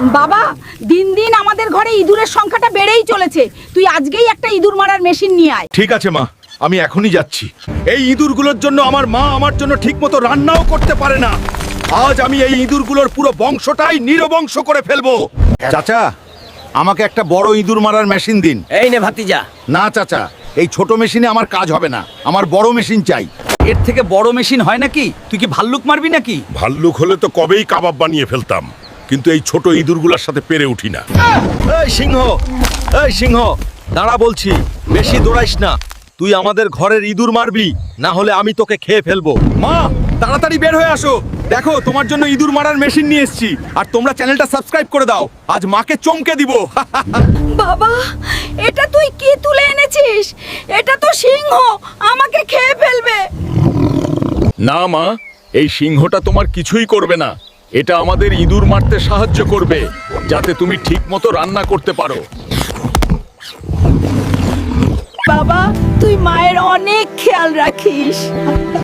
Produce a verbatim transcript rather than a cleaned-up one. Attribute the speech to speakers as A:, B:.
A: বাবা, দিন দিন আমাদের ঘরে ইঁদুরের সংখ্যাটা বেড়েই চলেছে। তুই আজকেই একটা ইঁদুর মারার মেশিন নিয়ে আয়।
B: ঠিক আছে মা, আমি এখনই যাচ্ছি। এই ইঁদুরগুলোর জন্য আমার মা আমার জন্য ঠিকমতো রান্নাও করতে পারে না। আজ আমি এই ইঁদুরগুলোর পুরো বংশটাই নিরবংশ করে ফেলবো। চাচা, আমাকে একটা বড় ইঁদুর মারার মেশিন দিন।
C: এই নে ভাতিজা।
B: না চাচা, এই ছোট মেশিনে আমার কাজ হবে না, আমার বড় মেশিন চাই।
C: এর থেকে বড় মেশিন হয় নাকি? তুই কি ভাল্লুক মারবি নাকি?
D: ভাল্লুক হলে তো কবেই কাবাব বানিয়ে ফেলতাম, কিন্তু এই ছোট ইঁদুরগুলোর সাথে পেরে উঠি না।
B: এই সিংহ, এই সিংহ, দাঁড়া বলছি। বেশি দৌড়াইস না। তুই আমাদের ঘরের ইঁদুর মারবি, না হলে আমি তোকে খেয়ে ফেলবো। মা, তাড়াতাড়ি বের হয়ে আসো। দেখো, তোমার জন্য ইঁদুর মারার মেশিন নিয়ে এসেছি। আর তোমরা চ্যানেলটা সাবস্ক্রাইব করে দাও। আজ মাকে চমকে দিব।
A: বাবা, এটা তুই কি তুলে এনেছিস? এটা তো সিংহ, আমাকে খেয়ে ফেলবে।
D: না মা, এই সিংহটা তোমার কিছুই করবে না। এটা আমাদের ইঁদুর মারতে সাহায্য করবে, যাতে তুমি ঠিকমতো রান্না করতে পারো।
A: বাবা, তুই মায়ের অনেক খেয়াল রাখিস।